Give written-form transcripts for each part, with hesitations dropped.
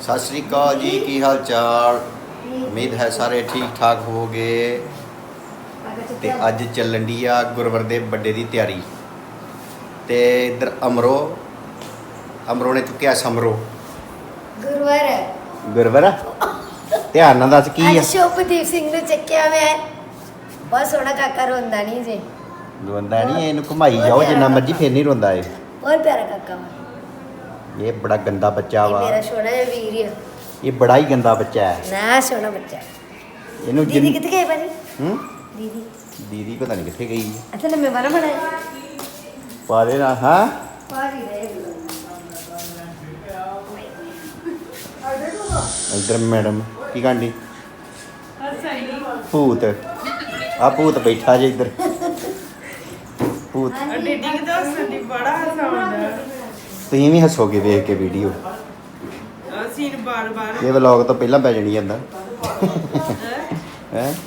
सत श्री अकाल जी, की हाल चाल। उम्मीद है सारे ठीक ठाक हो गए। ते अज चलन डी आ गुरवर दे बड्डे दी तैयारी। ते इधर अमरो ने चुक्या समरो गुरवर ध्यान नाल दस की है। शुभदीप सिंह ने चक्या मैं बहुत सोहना काका रोंदा नहीं जे रोंदा नहीं, इहनू घुमाई जाओ जिन्ना मर्जी फिर नहीं रोंदा है। बहुत प्यारा काका वा। ये बड़ा गंदा बच्चा वा, मेरा सोहना है वीर है। ये बड़ा ही गंदा बच्चा है ना सोहना बच्चा। इहनू दीदी किथे गई भाजी? दीदी दीदी पता नहीं किथे गई है। अच्छा लम्बे वाला बड़ा है पारे ना। हाँ पारी रहे इधर मैडम की कांडी भूत आ भूत बैठा जे इधर भूत। तुम भी हसोगे देख के वीडियो। ये व्लॉग तो पहला पै जानी जांदा हैं।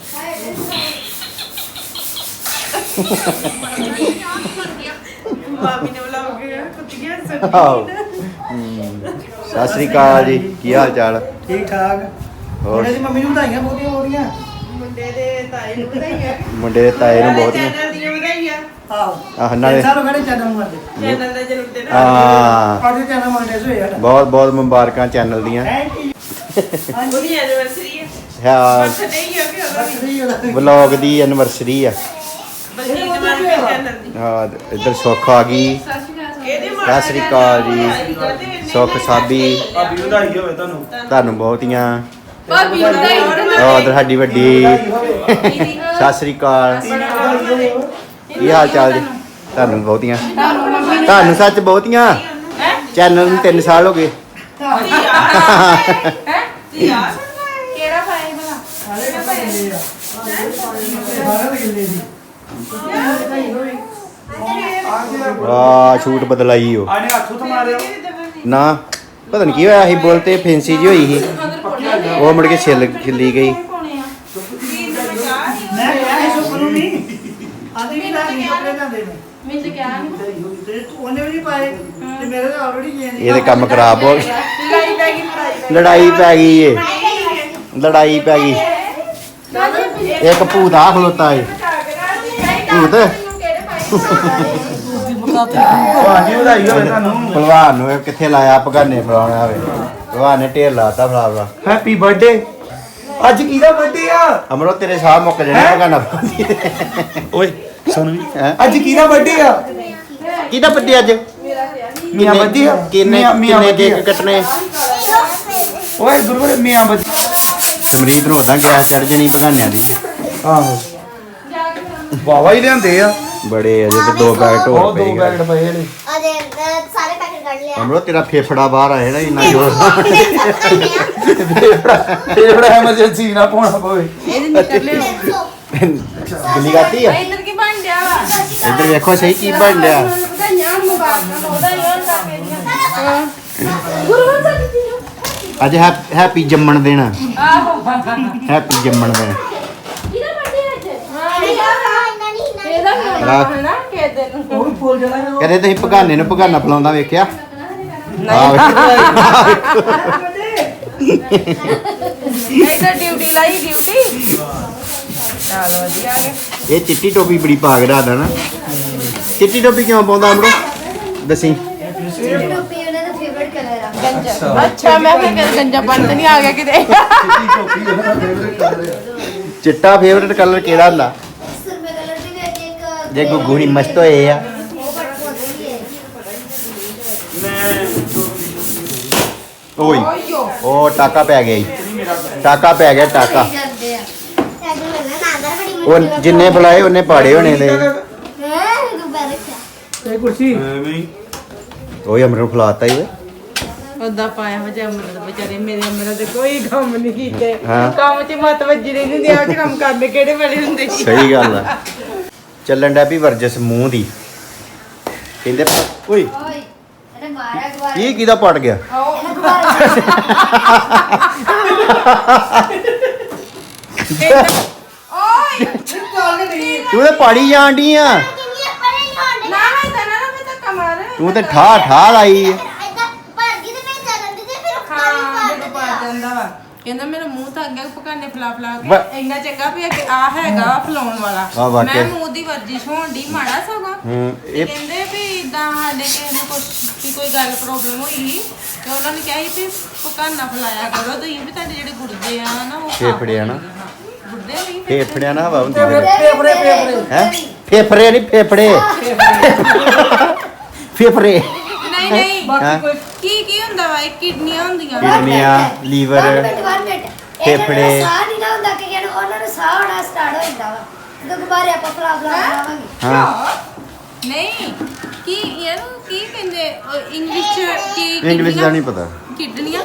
सत श्री अकाल जी, की हाल चाल? ठीक ठाक। और मम्मी ਨੂੰ ਵਧਾਈਆਂ ਬਹੁਤੀਆਂ ਹੋ ਰਹੀਆਂ। मुंडे दे ताए ਨੂੰ ਬਹੁਤੀਆਂ ਆਹ ਨਾਲੇ ਸਾਰੇ ਮੇਰੇ ਚੈਨਲ ਨੂੰ ਕਰਦੇ। ਹਾਂ ਅੱਜ ਚੈਨਲ ਮੋਨੇਟਾਈਜ਼ ਹੋਇਆ ਸਾਡਾ। ਬਹੁਤ ਬਹੁਤ ਮੁਬਾਰਕਾਂ ਚੈਨਲ ਦੀਆਂ। ਉਹਦੀ ਐਨੀਵਰਸਰੀ ਹੈ ਹਾਂ ਬਰਥਡੇ ਹੀ ਆ ਕਿ ਉਹਦਾ ਵੀ ਵਲੌਗ ਦੀ ਐਨਵਰਸਰੀ ਆ। ਬਲਜੀਤ ਮਾਨ ਦੇ ਚੈਨਲ ਦੀ ਹਾਂ ਇੱਧਰ ਸੁੱਖ ਆ ਗਈ। ਇਹਦੇ ਸਤਿ ਸ੍ਰੀ ਅਕਾਲ ਜੀ। ਸੁੱਖ ਸਾਬੀ ਭਾਬੀ ਵਧਾਈ ਹੋਵੇ ਤੁਹਾਨੂੰ। ਤੁਹਾਨੂੰ ਬਹੁਤੀਆਂ। ਭਾਬੀ ਵਧਾਈ ਉਧਰ ਸਾਡੀ ਵੱਡੀ ਸਤਿ ਸ੍ਰੀ ਅਕਾਲ। ਕੀ ਹਾਲ ਚਾਲ ਜੀ? ਤੁਹਾਨੂੰ ਬਹੁਤੀਆਂ। ਤੁਹਾਨੂੰ ਸੱਚ ਬਹੁਤੀਆਂ। ਚੈਨਲ ਨੂੰ 3 ਸਾਲ ਹੋ ਗਏ। ਯਾਰ ਕਿਹੜਾ ਪਾਇਆ ਭਲਾ ਸਾਰੇ ਕਿੱਲੇ ਆ। ਸਾਰੇ ਕਿੱਲੇ ਦੀ। ਵਾਹ ਛੂਟ ਬਦਲਾਈ ਉਹ ਆਨੇ ਹੱਥੋਂ ਤੋਂ ਮਾਰਿਓ। ਨਾ ਪਤਾ ਨਹੀਂ ਕੀ ਹੋਇਆ ਸੀ, ਬੋਲ ਤੇ ਫੈਂਸੀ ਜੀ ਹੋਈ ਸੀ, ਉਹ ਮੁੜ ਕੇ ਛਿੱਲੀ ਗਈ। ਮੈਂ ਕਿਹਾ ਸੁਪਰ ਨੂੰ ਨਹੀਂ। ਆਦੀ ਵੀ ਨਾ ਕੱਪੜੇ ਜਾਂਦੇ ਨੇ। ਮੈਨੂੰ ਤਾਂ ਕਿਹਾ ਨਹੀਂ ਤੇ ਉਹਨੇ ਵੀ ਨਹੀਂ ਪਾਏ ਤੇ ਮੇਰੇ ਤਾਂ ਆਲਰੇਡੀ ਚੇਂਜ। ਇਹਦੇ ਕੰਮ ਖਰਾਬ ਹੋ ਗਏ। ਲੜਾਈ ਪੈ ਗਈ ਲੜਾਈ ਪੈ ਗਈ ਏ, ਲੜਾਈ ਪੈ ਗਈ। ਇੱਕ ਭੂਤ ਆ ਖਲੋਤਾ ਏ ਭੂਤ। ਭਾਜੀ ਵਧਾਈ ਹੋਵੇ ਤੁਹਾਨੂੰ। ਭਲਵਾਨ ਨੂੰ ਇਹ ਕਿੱਥੇ ਲਾਇਆ ਪਗਾਨੇ ਫਲਾਉਣਾ ਹੋਵੇ। ਭਲਵਾਨ ਨੇ ਢੇਰ ਲਾਤਾ ਫਲਾਵਾ। Happy birthday. ਅੱਜ ਕਿਹਦਾ ਬਰਥਡੇ ਆ? ਅਮਰੋ ਤੇਰੇ ਸਾਹ ਮੁੱਕ ਜਾਣੇ ਪਗਾਨਾ। ਓਏ ਸੁਣ ਵੀ। ਹੈਂ? ਅੱਜ ਕਿਹਦਾ ਬਰਥਡੇ ਆ? ਕਿਹਦਾ ਬੱਡੇ ਅੱਜ? ਮੀਆਂ ਬੱਧੀ ਆ। ਕਿੰਨੇ ਮੀਆਂ ਕਿੰਨੇ ਬੱਧੀ ਆ। ਕੇਕ ਕੱਟਣੇ? ਓਏ ਗੁਰੂਵਰ ਮੀਆਂ ਬੱਧੀ। ਸਮਰੀਤ ਨੂੰ ਉਦਾਂ ਗੈਸ ਚੜ ਜਣੀ ਪਗਾਨਿਆਂ ਦੀ। ਆਹੋ ਵਾਵਾ ਹੀ ਲਿਆਂਦੇ ਆ। ਬੜੇ ਅਜੇ ਤੇ 2 ਪੈਕਟ ਹੋਰ ਉਹ 2 ਪਏ। ਪੈਕਟ ਪਏ ਨੇ। अरे सारे पैकेट कर लिया ਅਮਰੋ ਤੇਰਾ ਫੇਫੜਾ ਬਾਹਰ ਆਇਆ ਨਾ ਇੰਨਾ ਜ਼ੋਰ। ਫੇਵੜਾ ਐਮਰਜੈਂਸੀ ਨਾ ਪਾਉਣਾ ਪਵੇ। ਇਹਦੇ ਨਿਕਲ ਲਿਓ ਗਿੱਲੀ ਕਰਤੀ ਆ। ਇੱਧਰ ਕੀ ਬਣ ਗਿਆ ਵਾ ਇੱਧਰ ਵੇਖੋ ਸਹੀ ਕੀ ਬਣ ਰਿਹਾ। ਵਧਾਈਆਂ ਮੁਬਾਰਕਾਂ ਉਹਦਾ ਯਾਰ ਕਾਕੇ ਦੀਆਂ ਗੁਰੂਵਰ ਸਾਡੀ ਜੀ ਅੱਜ ਹੈਪੀ ਜੰਮਣ ਦਿਨ। ਆਹੋ ਹੈਪੀ ਜੰਮਣ ਦਿਨ। ਕਿਹਦਾ ਬਰਥਡੇ ਅੱਜ ਇਹਦਾ ਵੀ ਹੋਣਾ ਹੈ ਨਾ ਕਿ ਦਿਨ ਉਹ ਵੀ ਫੁੱਲ ਜਾਣਾ। ਕਹਿੰਦੇ ਤੁਸੀਂ ਪਗਾਨੇ ਨੂੰ ਪਗਾਨਾ ਫਲਾਉਂਦਾ ਵੇਖਿਆ? ਇੱਧਰ ਡਿਊਟੀ ਲਾਈ ਡਿਊਟੀ ਚਲ ਵਧੀਆ ਹੈ ਇਹ ਚਿੱਟੀ ਟੋਪੀ ਬੜੀ ਪਾ ਕੇ ਰੱਖਦਾ ਨਾ। ਚਿੱਟੀ ਟੋਪੀ ਕਿਉਂ ਪਾਉਂਦਾ ਅਮਰੋ? ਦੱਸੀ। टोपी उन्हें तो फेवरेट कलर है ਗੰਜਾ ਅੱਛਾ ਮੈਂ ਫਿਰ ਗੰਜਾ ਬਣ ਤੇ ਨਹੀਂ ਆ ਗਿਆ ਕਿਤੇ ਚਿੱਟਾ ਫੇਵਰਟ ਕਲਰ ਕਿਹੜਾ ਹੁੰਦਾ? सुरमे कलर भी है एक ਜੇ ਗੁੱਗੂਣੀ ਮਸਤ ਹੋਏ ਆ। वो बट बहुत अच्छी है ਓਏ ਉਹ ਟਾਕਾ ਪੈ ਗਿਆ ਈ। ਟਾਕਾ ਪੈ ਗਿਆ ਟਾਕਾ। जानते हैं साइड में ना नागर बड़ी ਉਹ ਜਿੰਨੇ ਬੁਲਾਏ ਉਹਨੇ ਪਾੜੇ ਹੋਣੇ ਨੇ। है दोबारा क्या ਇਹ ਕੁਰਸੀ ਓਏ ਅਮਰ ਨੂੰ ਫਲਾਤਾ ਹੀ ਓਏ। ਉਹਦਾ ਪਾਇਆ ਹੋ ਜਾ ਅਮਰ ਵਿਚਾਰੇ ਮੇਰੇ ਅਮਰ ਦੇ ਕੋਈ ਕੰਮ ਨਹੀਂ ਕੀਤੇ ਹਾਂ। ਕੰਮ 'ਚ ਮਤ ਵੱਜੀ ਰਹਿੰਦੀ ਹੁੰਦੀ ਆ ਉਹ 'ਚ ਕੰਮ ਕਰਨੇ ਕਿਹੜੇ ਵੇਲੇ ਹੁੰਦੇ ਸੀ ਸਹੀ ਗੱਲ ਆ। ਚੱਲਣ ਡਿਆ ਵੀ ਵਰਜਸ ਮੂੰਹ ਦੀ। ਕਹਿੰਦੇ ਓਏ ओए अरे मारा गुब्बारा ਇਹ ਕਿਹਦਾ ਪੜ ਗਿਆ? अरे गुब्बारा ਓਏ ਤੂੰ ਤੇ ਪਾੜੀ ਜਾਣ ਡਈ ਆ। ਨਾ ਨਾ ਤਾਂ ਨਾ ਮੈਂ ਤਾਂ ਕਮਰ ਤੂੰ ਤੇ ਠਾ ਠਾ ਲਾਈ। ऐसा पर गिर में चलन दे फिर ਹਾਂ ਕਹਿੰਦਾ ਮੇਰਾ ਮੂੰਹ ਤਾਂ ਅੱਗੇ ਪਕਾਨੇ ਫਲਾ ਫਲਾ ਵਾ- ਕੇ ਇੰਨਾ ਚੰਗਾ ਵੀ ਅੱਗੇ ਆ ਹੈਗਾ ਫਲਾਉਣ ਵਾਲਾ ਆ ਵਾਕਿਆ। ਮੈਂ ਮੂੰਹ ਦੀ ਵਰਜਿਸ਼ ਹੋਣ ਦੀ ਮਾੜਾ ਸਗੋਂ ਤੇ ਇਹ ਕਹਿੰਦੇ ਵੀ ਇਦਾਂ ਸਾਡੇ ਕਿਸੇ ਨੂੰ ਕੋਈ ਗੱਲ ਪ੍ਰੋਬਲਮ ਹੋਈ ਸੀ ਤੇ ਉਹਨਾਂ ਨੇ ਕਿਹਾ ਸੀ ਵੀ ਪਕਾਨਾ ਫਲਾਇਆ ਕਰੋ ਤੁਸੀਂ ਵੀ ਤੁਹਾਡੇ ਜਿਹੜੇ ਗੁਰਦੇ ਆ ਨਾ ਉਹ ਸਾਫ਼ ਫੇਫੜੇ ਆ ਨਾ। ਹੋਣਗੇ। ਗੁਰਦੇ ਨਹੀਂ ਫੇਫੜਿਆਂ ਨਾਲ ਹਵਾ ਹੁੰਦੀ ਫੇਫੜੇ ਹੈ ਫੇਫੜੇ ਨਹੀਂ ਫੇਫੜੇ ਫੇਫੜੇ ਨਹੀਂ ਨਹੀਂ ਹੈਂ? ਬਾਕੀ ਕੋਈ ਕੀ ਹੁੰਦਾ ਵਾ ਇਹ ਕਿਡਨੀਆਂ ਹੁੰਦੀਆਂ ਕਿਡਨੀਆਂ, ਲੀਵਰ, ਫੇਫੜੇ ਫੇਫੜੇ। ਸਾਹ ਨਹੀਂ ਨਾ ਹੁੰਦਾ ਕਿ ਉਹਨਾਂ ਨੂੰ ਸਾਹ ਆਉਣਾ ਸਟਾਰਟ ਹੋ ਜਾਂਦਾ ਵਾ ਜਦੋਂ ਦੁਬਾਰੇ ਆਪਾਂ ਫਲਾ ਬਣਾਵਾਂਗੇ ਹਾਂ ਨਹੀਂ ਕੀ ਇਹਨੂੰ ਕੀ ਕਹਿੰਦੇ ਇੰਗਲਿਸ਼ ਚ ਕੀ ਇੰਗਲਿਸ਼ ਦਾ ਨਹੀਂ ਪਤਾ ਹਾਂਜੀ ਕਿਡਨੀਆਂ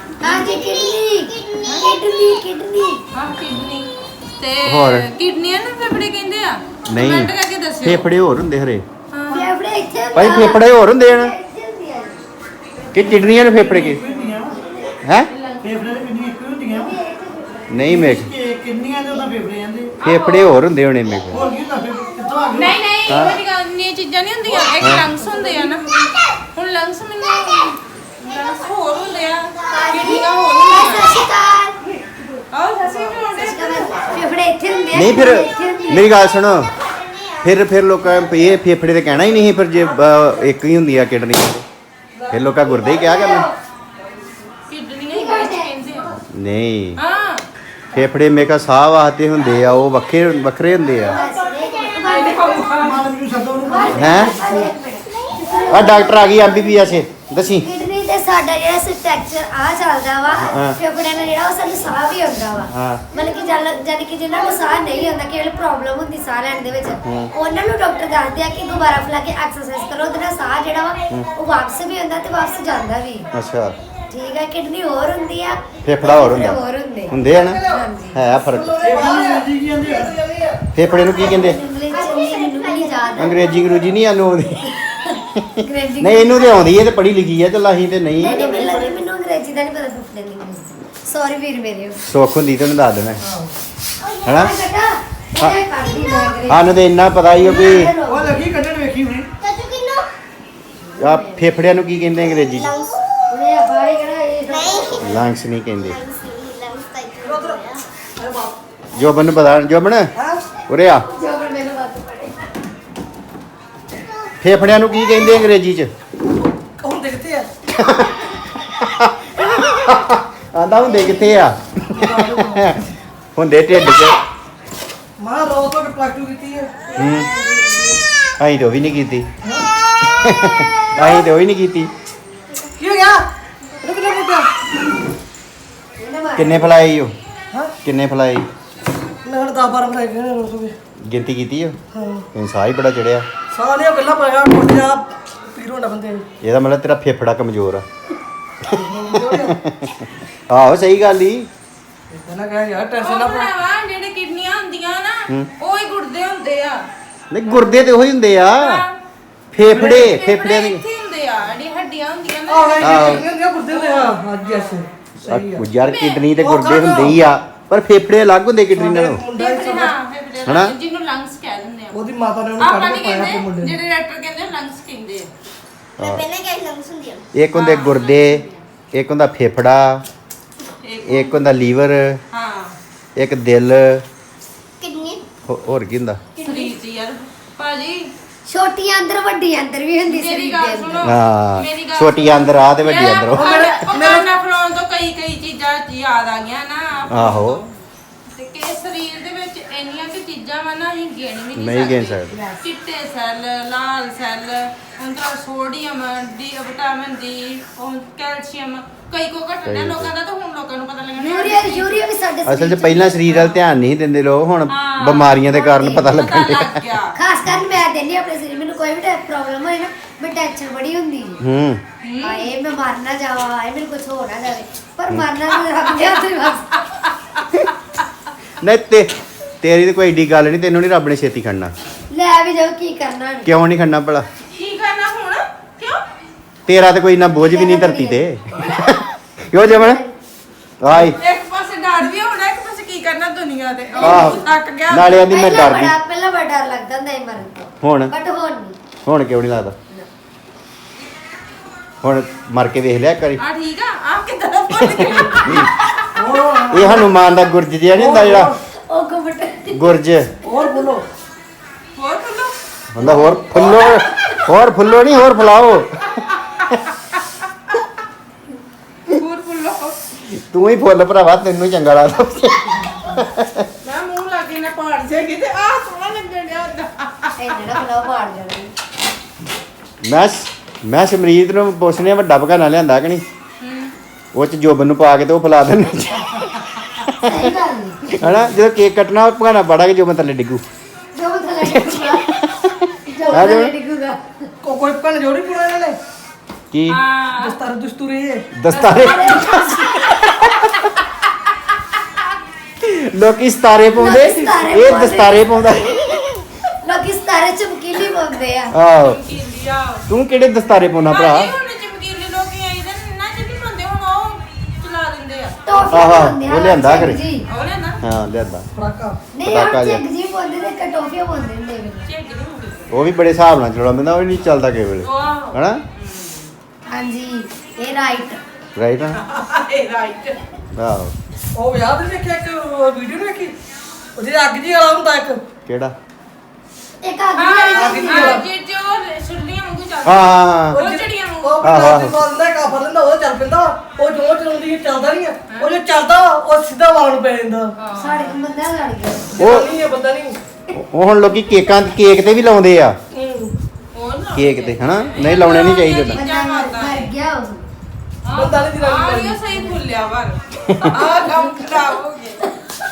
ਕਿਡਨੀ ਹਾਂ ਕਿਡਨੀ ਤੇ ਹੋਰ? ਕਿਡਨੀਆਂ ਨੂੰ ਫੇਫੜੇ ਕਹਿੰਦੇ ਆ ਨਹੀਂ ਕਮੈਂਟ ਕਰਕੇ ਦੱਸਿਓ ਫੇਫੜੇ ਹੋਰ ਹੁੰਦੇ ਹਰੇ ਹਾਂ ਫੇਫੜੇ ਇੱਥੇ ਭਾਈ ਫੇਫੜੇ ਹੋਰ ਹੁੰਦੇ ਹਨ ਇੱਥੇ ਹੁੰਦੇ ਆ ਕਿ ਕਿਡਨੀਆਂ ਨੇ ਫੇਫੜੇ ਕੀ ਹੁੰਦੀਆਂ ਹੈ ਫੇਫੜੇ ਦੇ ਕਿੰਨੀਆਂ ਇੱਕ ਹੁੰਦੀਆਂ ਨਹੀਂ ਮੇਕ ਕਿੰਨੀਆਂ ਦੇ ਉਹਦਾ ਫੇਫੜੇ ਜਾਂਦੇ ਫੇਫੜੇ ਹੋਰ ਹੁੰਦੇ ਹੋਣੇ ਮੇਕ ਹੋਰ ਕੀ ਹੁੰਦਾ ਫੇਫੜੇ ਕਿੱਥੋਂ ਆ ਗਏ ਨਹੀਂ ਨਹੀਂ ਇਹ ਵਾਲੀ ਗੱਲ ਨਹੀਂ ਇਹ ਚੀਜ਼ਾਂ ਨਹੀਂ ਹੁੰਦੀਆਂ ਇੱਕ ਲੰਗਸ ਹੁੰਦੇ ਆ ਨਾ ਹੁਣ ਲੰਗਸ ਮੈਨੂੰ ਲੰਗਸ ਹੋਰ ਹੁੰਦੇ ਆ ਕਿਡਨੀਆਂ ਹੋਰ ਹੁੰਦੀਆਂ ਸ਼ਿਕਾਰ ਆਓ ਸੱਸੀ ਬਣਾਉਂਦੇ ਫੇਫੜੇ ਇੱਥੇ ਹੁੰਦੇ ਆ ਨਹੀਂ ਫਿਰ ਇੱਥੇ ਹੁੰਦੇ ਆ। ਮੇਰੀ ਗੱਲ ਸੁਣੋ ਫਿਰ ਲੋਕਾਂ ਇਹ ਫੇਫੜੇ ਤੇ ਕਹਿਣਾ ਹੀ ਨਹੀਂ ਫਿਰ ਜੇ ਇੱਕ ਹੀ ਹੁੰਦੀ ਆ ਕਿਡਨੀ ਫਿਰ ਲੋਕਾਂ ਗੁਰਦੇ ਹੀ ਕਿਹਾ ਕਰਨਾ ਕਿਡਨੀਆਂ ਹੀ ਵਿੱਚ ਕਹਿੰਦੇ ਆ ਨਹੀਂ ਹਾਂ ਫੇਫੜੇ ਮੇਕਾ ਸਾਹ ਵਾਸਤੇ ਹੁੰਦੇ ਆ ਉਹ ਵੱਖਰੇ ਹੁੰਦੇ ਆ ਮਾਲਕ ਨੂੰ ਸੱਦੋ ਉਹਨੂੰ ਹੈ ਆ ਡਾਕਟਰ ਆ ਗਈ ਐਮਬੀਬੀਐਸ ਦੱਸੀ ਕਿਡਨੀ ਤੇ ਸਾਡਾ ਜਿਹੜਾ ਸਟ੍ਰਕਚਰ ਆ ਚੱਲਦਾ ਵਾ ਹਾਂ। ਫੇਫੜਿਆਂ ਨਾਲ ਜਿਹੜਾ ਉਹ ਸਾਨੂੰ ਸਾਹ ਵੀ ਆਉਂਦਾ ਵਾ ਹਾਂ। ਮਤਲਬ ਕਿ ਜਾਨੀ ਕਿ ਜਿਹਨਾਂ ਨੂੰ ਸਾਹ ਨਹੀਂ ਆਉਂਦਾ ਕਿ ਪ੍ਰੋਬਲਮ ਹੁੰਦੀ ਸਾਹ ਲੈਣ ਦੇ ਵਿੱਚ ਉਹਨਾਂ ਨੂੰ ਡਾਕਟਰ ਦੱਸਦੇ ਆ ਕਿ ਦੁਬਾਰਾ ਫਲਾ ਕੇ ਐਕਸਰਸਾਈਜ਼ ਕਰੋ ਉਹਦੇ ਨਾਲ ਸਾਹ ਜਿਹੜਾ ਵਾ ਉਹ ਵਾਪਸ ਵੀ ਆਉਂਦਾ ਤੇ ਵਾਪਸ ਜਾਂਦਾ ਵੀ ਅੱਛਾ ਠੀਕ ਹੈ ਕਿਡਨੀ ਹੋਰ ਹੁੰਦੀ ਆ ਫੇਫੜਾ ਹੋਰ ਹੁੰਦਾ ਹੋਰ ਹੁੰਦੇ ਹੁੰਦੇ ਆ ਨਾ ਹਾਂਜੀ ਹੈ ਫਰਕ ਜੀ ਕੀ ਜਾਂਦੇ ਆ ਫੇਫੜੇ ਨੂੰ ਕੀ ਕਹਿੰਦੇ ਇੰਗਲਿਸ਼ ਚ ਨਹੀਂ ਮੈਨੂੰ ਵੀ ਨਹੀਂ ਯਾਦ ਅੰਗਰੇਜ਼ੀ ਅੰਗਰੂਜੀ ਨਹੀਂ ਆਨੂੰ ਆਉਂਦੀ ਅੰਗਰੇਜ਼ੀ ਨਹੀਂ ਇਹਨੂੰ ਤੇ ਆਉਂਦੀ ਹੈ ਤੇ ਪੜ੍ਹੀ ਲਿਖੀ ਹੈ ਤੇ ਲਾਹੀ ਤੇ ਨਹੀਂ ਨਹੀਂ ਮੈਨੂੰ ਲੱਗਦਾ ਮੈਨੂੰ ਅੰਗਰੇਜ਼ੀ ਦਾ ਨਹੀਂ ਪਤਾ ਫੁੱਫੜੇ ਦੀ ਇੰਗਲਿਸ਼ ਸੌਰੀ ਵੀਰ ਮੇਰੇ ਸੁੱਖ ਹੁੰਦੀ ਤੈਨੂੰ ਦੱਸ ਦੇਣਾ ਹੈਨਾ? ਹਾਂ ਇਹ ਕਰਦੀ ਮੈਂ ਅੰਗਰੇਜ਼ੀ ਸਾਨੂੰ ਤੇ ਇੰਨਾ ਪਤਾ ਹੀ ਹੋ ਵੀ ਉਹ ਲੱਗੀ ਕੱਢਣ ਵੇਖੀ ਹੁਣੇ ਆ ਫੇਫੜਿਆਂ ਨੂੰ ਕੀ ਕਹਿੰਦੇ ਅੰਗਰੇਜ਼ੀ ਚ ਉਹਨੇ ਬਾਰੇ ਕਿਹੜਾ ਇਹ ਲੰਗਸ ਨਹੀਂ ਕਹਿੰਦੇ ਜੋਬਨ ਨੂੰ ਪਤਾ ਜੋਬਨ ਉਰੇ ਆ ਜੋ ਪਰ ਮੈਨੂੰ ਬਾਤ ਪੜੇ ਫੇਫੜਿਆਂ ਨੂੰ ਕੀ ਕਹਿੰਦੇ ਅੰਗਰੇਜ਼ੀ ਚ ਹੁਣ ਦੇਖਦੇ ਆ ਆਂਦਾ ਹੁੰਦੇ ਕਿੱਥੇ ਆ ਹੁੰਦੇ ਢਿੱਡ 'ਚ ਮਾਂ ਰੋ ਤੋਂ ਪਲੱਗ ਟੂ ਕੀਤੀ ਹੈ ਹੂੰ ਅਸੀਂ ਤੇ ਉਹ ਵੀ ਨਹੀਂ ਕੀਤੀ ਅਸੀਂ ਤੇ ਉਹ ਵੀ ਨਹੀਂ ਕੀਤੀ ਕੀ ਹੋ ਗਿਆ ਰੁਕ ਜਾ ਬੁੱਟਾ ਕਿੰਨੇ ਫਲਾਈ ਹੋ ਹਾਂ ਕਿੰਨੇ ਫਲਾਈ ਮੈਂ ਹੁਣ 10 12 ਬਣਾਏ ਗਏ ਨੇ ਰੋਜ਼ ਵੀ ਗਿਣਤੀ ਕੀਤੀ ਹੋ ਹਾਂ ਤੈਨੂੰ ਸਾਹ ਹੀ ਬੜਾ ਚੜਿਆ ਸਾਲੀਆਂ ਗੱਲਾਂ ਪਾਇਆ ਮੁੱਟ ਜਾ ਪੀਰ ਹੋਣਾ ਬੰਦੇ ਨੂੰ ਇਹਦਾ ਮਤਲਬ ਤੇਰਾ ਫੇਫੜਾ ਕਮਜ਼ੋਰ ਆ ਆਹੋ ਸਹੀ ਗੱਲ ਹੀ ਇਦਾਂ ਨਾ ਕਹਿ ਯਾਰ ਟੈਨਸ਼ਨ ਨਾ ਉਹ ਪਾ ਭਰਾਵਾ ਜਿਹੜੇ ਕਿਡਨੀਆਂ ਹੁੰਦੀਆਂ ਨਾ ਉਹ ਹੀ ਗੁਰਦੇ ਹੁੰਦੇ ਆ ਨਹੀਂ ਗੁਰਦੇ ਤੇ ਉਹੀ ਹੁੰਦੇ ਆ ਫੇਫੜਿਆਂ ਫੇਫੜੇ ਦੇ ਇੱਥੇ ਹੁੰਦੇ ਆ ਜਿਹੜੀਆਂ ਹੱਡੀਆਂ ਹੁੰਦੀਆਂ ਨਾ ਆਹ ਆਹੋ। ਇਹ ਗੁਰਦੇ ਦੇ ਹਾਂ ਅੱਜ ਐਸੇ ਸਹੀ ਆ ਯਾਰ ਕਿਡਨੀ ਤੇ ਗੁਰਦੇ ਹੁੰਦੇ ਹੀ ਆ ਪਰ ਫੇਫੜੇ ਅਲੱਗ ਹੁੰਦੇ ਕਿਡਨੀ ਨਾਲੋਂ ਮੁੰਡਾ ਹੀ ਫੇਫੜੇ ਸਭ ਹਾਂ ਫੇਫੜੇ ਹਨਾ? ਜਿਹਨੂੰ ਲੰਗਸ ਕਹਿ ਦਿੰਦੇ ਆ ਉਹਦੀ ਮਾਤਾ ਨੇ ਉਹਨੂੰ ਆਪਾਂ ਕੱਢ ਨਹੀਂ ਕੇ ਪਾਇਆ ਆਪਣੇ ਮੁੰਡੇ ਕਹਿੰਦੇ ਨੂੰ ਜਿਹੜੇ ਡਾਕਟਰ ਕਹਿੰਦੇ ਲੰਗਸ ਕਹਿੰਦੇ ਆ ਪਹਿਲਾਂ ਕਿਹੜੀ ਲੰਗਸ ਹੁੰਦੀ ਆ ਇੱਕ ਹੁੰਦੇ ਗੁਰਦੇ ਇੱਕ ਹੁੰਦਾ ਫੇਫੜਾ ਇੱਕ ਹੁੰਦਾ ਲੀਵਰ ਹਾਂ ਇੱਕ ਦਿਲ ਕਿਡਨੀ ਹੋਰ ਕੀ ਹੁੰਦਾ ਸਰੀਰ ਚ ਯਾਰ ਭਾਜੀ ਛੋਟੀਆਂ ਅੰਦਰ ਵੱਡੀਆਂ ਅੰਦਰ ਵੀ ਹੁੰਦੀ ਮੇਰੀ ਸਰੀਰ ਗੱਲ ਦੇ ਸੁਣੋ ਅੰਦਰ ਹਾਂ ਮੇਰੀ ਗੱਲ ਛੋਟੀ ਅੰਦਰ ਆ ਤੇ ਵੱਡੀ ਅੰਦਰ ਉਹ। ਮੇਰਾ ਫਲੋਨ ਤੋਂ ਕਈ ਚੀਜ਼ਾਂ ਯਾਦ ਆ ਗਈਆਂ ਨਾ ਆਹੋ। ਤੇ ਕਿ ਸਰੀਰ ਦੇ ਵਿੱਚ ਇੰਨੀਆਂ ਕਿ ਚੀਜ਼ਾਂ ਵਾ ਨਾ ਅਸੀਂ ਗਿਣ ਵੀ ਨਹੀਂ ਗਿਣ ਸਕਦੇ। ਚਿੱਟੇ ਸੈੱਲ ਲਾਲ ਸੈੱਲ ਅੰਦਰ sodium D vitamin D calcium ਕਈ ਕੋ ਘਟਣਾ ਲੋਕਾਂ ਦਾ ਤਾਂ ਹੁਣ ਲੋਕਾਂ ਨੂੰ ਪਤਾ ਲੱਗਣਾ ਯੂਰੀਆ ਵੀ ਸਾਡੇ ਅਸਲ ਸਰੀਰ 'ਚ ਪਹਿਲਾਂ ਸਰੀਰ ਵੱਲ ਧਿਆਨ ਨਹੀਂ ਦਿੰਦੇ ਲੋਕ ਹੁਣ ਹਾਂ। ਬਿਮਾਰੀਆਂ ਦੇ ਕਾਰਨ ਪਤਾ ਲੱਗਣ ਲੱਗ ਡਿਆ। ਗਿਆ ਖਾਸ ਕਰਕੇ ਮੈਂ ਦਿੰਦੀ ਹਾਂ ਆਪਣੇ ਸਰੀਰ ਮੈਨੂੰ ਕੋਈ ਵੀ ਪ੍ਰੋਬਲਮ ਹੋਏ ਨਾ ਮੈਂ ਟੈਨਸ਼ਨ ਬੜੀ ਹੁੰਦੀ ਹੈ ਹੂੰ ਹਾਏ ਮੈਂ ਮਰ ਨਾ ਜਾਵਾਂ ਹਾਏ ਮੈਨੂੰ ਕੁਝ ਹੋ ਨਾ ਜਾਵੇ ਪਰ ਮਰਨਾ ਤਾਂ ਰੱਬ ਦੇ ਹੱਥ ਹੀ ਬਸ ਨਹੀਂ ਤੇਰੀ ਤਾਂ ਕੋਈ ਏਡੀ ਗੱਲ ਨਹੀਂ ਤੈਨੂੰ ਨਹੀਂ ਰੱਬ ਨੇ ਛੇਤੀ ਖੜਨਾ ਲੈ ਵੀ ਜਾਓ ਕੀ ਕਰਨਾ ਹੁਣ। ਕਿਉਂ ਨਹੀਂ ਖੜਨਾ ਭਲਾ ਕੀ ਕਰਨਾ ਹੁਣ ਕਿਉਂ ਤੇਰਾ ਤੇ ਕੋਈ ਨਾ ਬੋਝ ਵੀ ਨਹੀਂ ਧਰਤੀ ਤੇ ਕਿਉਂ ਜਮਨ ਆਈ ਇੱਕ ਪਾਸੇ ਡਰ ਵੀ ਹੋਣਾ ਇੱਕ ਪਾਸੇ ਕੀ ਕਰਨਾ ਦੁਨੀਆ ਤੇ ਆਹੋ। ਥੱਕ ਗਿਆ ਨਾਲੇ ਆਂਦੀ ਮੈਂ ਡਰਦੀ ਪਹਿਲਾਂ ਬੜਾ ਡਰ ਲੱਗਦਾ ਹੁੰਦਾ ਸੀ ਮਰਨ ਤੋਂ ਹੁਣ ਬਟ ਹੁਣ ਨਹੀਂ ਹੁਣ ਕਿਉਂ ਨਹੀਂ ਲੱਗਦਾ ਹੁਣ ਮਰ ਕੇ ਵੇਖ ਲਿਆ ਕਰੀ ਆ ਠੀਕ ਆ ਆਪ ਕਿੱਦਾਂ ਦਾ ਭੁੱਲ ਗਿਆ ਇਹ ਹਨੂਮਾਨ ਦਾ ਗੁਰਜ ਜਿਹਾ ਨਹੀਂ ਹੁੰਦਾ ਜਿਹੜਾ ਉਹ ਕਬਟ ਗੁਰਜ ਹੋਰ ਬੋਲੋ ਹੋਰ ਬੋਲੋ ਹੁੰਦਾ ਹੋਰ ਫੁੱਲੋ ਨਹੀਂ ਹੋਰ ਫੁਲਾਓ ਹੋਰ ਬੋਲੋ ਤੂੰ ਹੀ ਫੁੱਲ ਭਰਾਵਾ ਤੈਨੂੰ ਹੀ ਚੰਗਾ ਲੱਗਦਾ ਮੈਂ ਮੂੰਹ ਲਾ ਕੇ ਨਾ ਪਾੜ ਜਾਏਗੀ ਤੇ ਆਹ ਸੋਹਣਾ ਲੱਗਣ ਡਿਆ ਹੁੰਦਾ ਇਹ ਜਿਹੜਾ ਫਲਾਉ ਪਾੜ ਜਾਣਾ ਮੈਂ ਸਮਰੀਤ ਨੂੰ ਪੁੱਛਨੇ ਵੱਡਾ ਭਗਾਨਾ ਲਿਆਂਦਾ ਕਿ ਨਹੀਂ ਉਹ ਚ ਜੋਬਨ ਨੂੰ ਪਾ ਕੇ ਤੇ ਉਹ ਫੁਲਾ ਦਿੰਦੇ ਸਹੀ ਗੱਲ ਨਹੀਂ ਹਨਾ ਜਦੋਂ ਕੇਕ ਕੱਟਣਾ ਉਹ ਭਗਾਨਾ ਪਾੜਾ ਕੇ ਜੋਬਨ ਥੱਲੇ ਡਿੱਗੂ ਜੋ ਥੱਲੇ ਡਿੱਗੂਗਾ ਜੋ ਥੱਲੇ ਡਿੱਗੂਗਾ ਕੋਈ ਭਣ ਜੋੜੀ ਪੁਣਾ ਇਹਨਾਂ ਨੇ ਕੀ ਹਾਂ ਦਸਤੂਰੇ ਦਸਤਾਰੇ ਲੋਕੀ ਸਤਾਰੇ ਪਾਉਂਦੇ ਲੋਕੀ ਸਤਾਰੇ ਇਹ ਪਾਉਂਦੇ। ਦਸਤਾਰੇ ਪਾਉਂਦਾ ਲੋਕੀ ਸਤਾਰੇ ਚਮਕੀਲੀ ਪਾਉਂਦੇ ਆ ਆਹੋ ਚਮਕੀਲੀ ਆ ਤੂੰ ਕਿਹੜੇ ਦਸਤਾਰੇ ਪਾਉਣਾ ਭਰਾ ਭਾਜੀ ਹੁਣ ਚਮਕੀਲੇ ਲੋਕੀ ਆਈ ਦੇ ਨਾ ਜਿਹੜੀ ਬੰਦੇ ਹੁਣ ਉਹ ਚਲਾ ਦਿੰਦੇ ਆ ਟੋਫੀਆਂ ਆਹਾ, ਪਾਉਂਦੇ ਆ ਉਹ ਲਿਆਂਦਾ ਝੱਗ ਘਰੇ। ਜੀ। ਉਹ ਲੈਣਾ ਹਾਂ ਲਿਆਂਦਾ ਫਰਾਕਾ ਨਹੀਂ ਪਟਾਕਾ ਆ ਜਿਹਾ। ਝੱਗ ਜੀ ਪਾਉਂਦੇ ਤੇ ਇੱਕ ਟੋਫੀਆਂ ਪਾਉਂਦੇ ਹੁੰਦੇ ਨੇ ਚੇਕ ਨਹੀਂ ਹੁੰਦੀ ਉਹ ਵੀ ਬੜੇ ਹਿਸਾਬ ਨਾਲ ਚਲਾਉਣਾ ਪੈਂਦਾ ਉਹ ਵੀ ਨਹੀਂ ਚੱਲਦਾ ਕਿਸੇ ਵੇਲੇ ਵਾਹ ਹਨਾ ਹਾਂਜੀ ਇਹ ਰਾਈਟ ਰਾਈਟ ਆ ਇਹ ਰਾਈਟ ਆਹੋ ਉਹ ਵਿਆਹ ਤੇ ਦੇਖਿਆ ਇੱਕ ਵੀਡੀਓ ਨਹੀਂ ਵੇਖੀ ਉਹ ਜਿਹੜਾ ਅੱਗ ਜੀ ਵਾਲਾ ਹੁੰਦਾ ਇੱਕ ਕਿਹੜਾ ਇੱਕ ਆਦਮੀ ਹਾਂ ਵਾਲੀ ਹਾਂ ਜੇ ਜੋ ਸੁਰਲੀਆਂ ਵਾਂਗੂ ਚੱਲਦਾ ਹਾਂ ਉਹ ਚੜੀਆਂ ਵਾਂਗੂ ਉਹ ਆਹੋ, ਆਹੋ। ਬੰਦਾ ਬੰਦਾ ਕਾਫਰ ਲੈਂਦਾ ਉਹ ਚੱਲ ਪੈਂਦਾ ਉਹ ਜੋ ਚਲਾਉਂਦੀ ਹੈ ਚੱਲਦਾ ਨਹੀਂ ਹੈ ਉਹ ਜੋ ਚੱਲਦਾ ਉਹ ਸਿੱਧਾ ਵਾਲ ਨੂੰ ਪੈ ਜਾਂਦਾ ਸਾਡੇ ਬੰਦਾ ਲੜ ਗਿਆ ਉਹ- ਨਹੀਂ ਹੈ ਬੰਦਾ ਨਹੀਂ ਉਹ ਹੁਣ ਲੋਕੀ ਕੇਕ ਤੇ ਵੀ ਲਾਉਂਦੇ ਆ ਉਹ ਨਾ ਕੇਕ ਤੇ ਹਨਾ ਨਹੀਂ ਲਾਉਣੇ ਨਹੀਂ ਚਾਹੀਦੇ ਤਾਂ ਬੰਦਾ ਮਰ ਗਿਆ ਉਹ ਬੰਦਾ ਨਹੀਂ ਜਨਾਨੀ ਆ ਬਣਦੀ। ਇਹ ਸਹੀ ਭੁੱਲਿਆ ਵਰ ਆ ਕੰਮ ਖਰਾਬ ਹੋ ਗਿਆ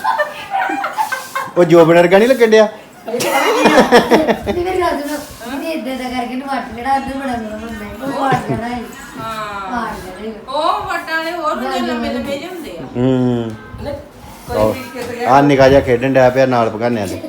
ਉਹ ਜੋਬਨ ਵਰਗਾ ਨਹੀਂ ਲੱਗਣ ਡਿਆ ਨਹੀਂ ਮੇਰੀ ਗੱਲ ਸੁਣੋ ਇਹ ਇਦਾਂ ਦਾ ਕਰਕੇ ਨੂੰ ਵੱਟ ਜਿਹੜਾ ਅੱਧ ਬੜਾ ਮੇਰਾ ਬੰਦਾ ਹੈ ਉਹ ਪਾੜ ਜਾਣਾ ਹੈ ਹਾਂ ਪਾੜ ਜਾਣਾ ਹੈ। ਉਹ ਵਟਾਂ ਵਾਲੇ ਹੋਰ ਹੁੰਦੇ ਲੰਮੇ ਲੰਮੇ ਜਿਹੇ ਹੁੰਦੇ ਆ ਹੂੰ ਨਹੀਂ, ਕੋਈ ਵੀ ਕਿਤੇ ਗਿਆ ਆ ਨਿਕਾ ਜਿਹਾ ਖੇਡਣ ਡਿਆ ਪਿਆ ਨਾਲ ਭਗਾਨਿਆਂ ਦੇ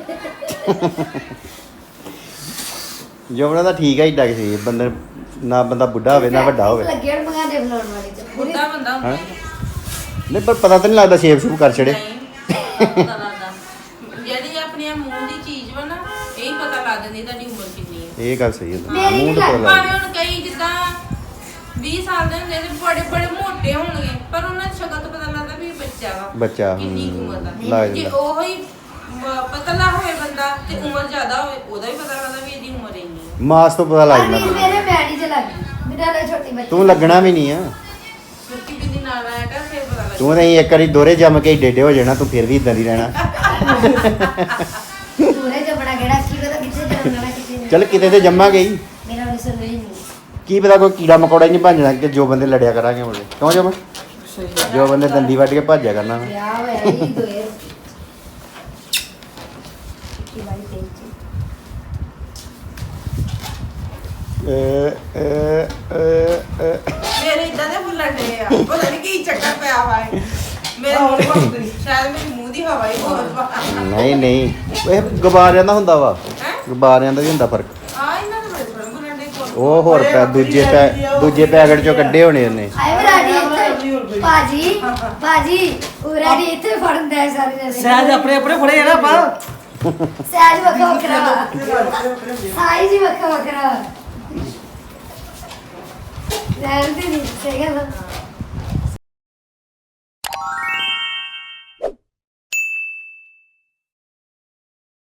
ਜੋਬਨ ਦਾ ਠੀਕ ਹੈ ਏਡਾ ਕਿਸੇ ਬੰਦੇ ਨਾ ਬੰਦਾ ਬੁੱਢਾ ਹੋਵੇ ਨਾ ਵੱਡਾ ਹੋਵੇ ਲੱਗੇ ਹਣ ਮੰਗਾ ਦੇ ਫਲਾਉਣ ਵਾਲੀ ਚ ਪੂਰੀ ਬੁੱਢਾ ਬੰਦਾ ਹੁੰਦਾ ਹੀ ਨਹੀਂ ਪਰ ਪਤਾ ਤਾਂ ਨਹੀਂ ਲੱਗਦਾ ਸ਼ੇਪ ਸ਼ੂਪ ਕਰ ਛੜੇ ਨਹੀਂ ਪਤਾ ਲੱਗਦਾ ਜਿਹੜੀ ਆਪਣੀ ਮੂੰਹ ਦੀ ਚੀਜ਼ ਵਾ ਨਾ ਇਹ ਹੀ ਪਤਾ ਲੱਗ ਜਾਂਦੀ ਤੁਹਾਡੀ ਉਮਰ ਕਿੰਨੀ ਹੈ ਇਹ ਗੱਲ ਸਹੀ ਹੈ ਮੇਰੀ ਮੂੰਹ ਤੋਂ ਪਤਾ ਭਾਵੇਂ ਲੱਗਦਾ ਹੁਣ ਕਈ ਜਿੱਦਾਂ 20 ਸਾਲ ਦੇ ਹੁੰਦੇ ਤੇ ਬੜੇ ਬੜੇ ਮੋਟੇ ਹੋਣਗੇ ਪਰ ਉਹਨਾਂ ਦੀ ਸ਼ਕਲ ਤੋਂ ਪਤਾ ਲੱਗਦਾ ਵੀ ਇਹ ਬੱਚਾ ਵਾ ਬੱਚਾ ਕਿੰਨੀ ਕੁ ਉਮਰ ਲੱਗ ਦਾ ਜੇ ਜਾਂਦਾ ਉਹ ਹੀ ਪਤਲਾ ਹੋਵੇ ਬੰਦਾ ਤੇ ਉਮਰ ਜ਼ਿਆਦਾ ਹੋਵੇ ਉਹਦਾ ਵੀ ਪਤਾ ਲੱਗਦਾ ਵੀ ਇਹਦੀ ਉਮਰ ਇੰਨੀ ਹੈ ਮਾਸ ਤੋਂ ਪਤਾ ਲੱਗ ਅਰਨੀਤ ਜਾਂਦਾ ਮੇਰੇ ਮੈਡੀ ਚ ਲੱਗ ਗਈ ਮੇਰਾ ਨਾਲ ਛੋਟੀ ਬੱਚੀ ਤੂੰ ਲੱਗਣਾ ਵੀ ਨਹੀਂ ਆ ਸੁੱਕੀ ਬਿੰਦੀ ਨਾਲ ਆਇਆ ਕਰ ਫਿਰ ਪਤਾ ਲੱਗਦਾ ਤੂੰ ਨਹੀਂ ਇੱਕ ਵਾਰੀ ਦੋਰੇ ਜੰਮ ਕੇ ਏਡੇ ਹੋ ਜਾਣਾ ਤੂੰ ਫਿਰ ਵੀ ਇਦਾਂ ਦੀ ਰਹਿਣਾ ਪੂਰੇ ਜਬੜਾ ਕਿਹੜਾ ਕੀ ਪਤਾ ਕਿੱਥੇ ਜਾਣਾ ਕਿੱਥੇ ਨਹੀਂ। ਚੱਲ ਕਿਤੇ ਤੇ ਜੰਮਾ ਗਈ ਮੇਰਾ ਵੀ ਸੁਣ ਰਹੀ ਨਹੀਂ ਕੀ ਪਤਾ ਕੋਈ ਕੀੜਾ ਮਕੌੜਾ ਹੀ ਨਹੀਂ ਭੱਜ ਜਾਣਾ ਕਿ ਜੋ ਬੰਦੇ ਲੜਿਆ ਕਰਾਂਗੇ ਮੁੰਡੇ ਕਿਉਂ ਜਮ ਜੋ ਬੰਦੇ ਦੰਦੀ ਵੱਢ ਕੇ ਭੱਜਿਆ ਕਰਨਾ ਵਾ। ਵਿਆਹ ਹੋਇਆ ਹੀ ਦੋਏ ਕੀ ਵਾਲੀ ਤੇਜ ਮੇਰੇ ਇਦਾਂ ਦੇ ਫੁੱਲਣ ਡੇ ਆ ਪਤਾ ਨਹੀਂ ਕੀ ਚੱਕਰ ਪਿਆ ਵਾ ਇਹ। ਮੇਰੇ ਮੂੰਹ ਸ਼ਾਇਦ ਮੇਰੇ ਮੂੰਹ ਦੀ ਹਵਾ ਹੀ ਬਹੁਤ ਵਾ ਨਹੀਂ ਨਹੀਂ ਇਹ ਗੁਬਾਰਿਆਂ ਦਾ ਹੁੰਦਾ ਵਾ ਹੈਂ? ਗੁਬਾਰਿਆਂ ਦਾ ਵੀ ਹੁੰਦਾ ਫਰਕ ਆ ਇਹਨਾਂ ਦੇ ਬੜੇ ਥੋੜੇ ਫੁੱਲਣ ਡੇ ਉਹ ਹੋਰ ਦੂਜੇ ਪੈਕਟ ਚੋਂ ਕੱਢੇ ਹੋਣੇ ਉਹਨੇ ਆਏ ਵਰਾੜੀ ਇੱਥੇ ਭਾਜੀ ਵਰਾੜੀ ਇੱਥੇ ਫੜਨ ਦੇ ਸਾਰੇ ਜਣੇ ਸਹਿਜ ਆਪਣੇ ਆਪਣੇ ਫੜੇ ਆ ਨਾ ਆਪਾਂ ਸਹਿਜ ਵੱਖਰਾ ਵੱਖਰਾ ਸਾਈ ਜੀ ਵੱਖਰਾ ਵੱਖਰਾ ਰਹਿਣ ਦੇ ਨਹੀਂ ਸਹੀ ਗੱਲ ਆ।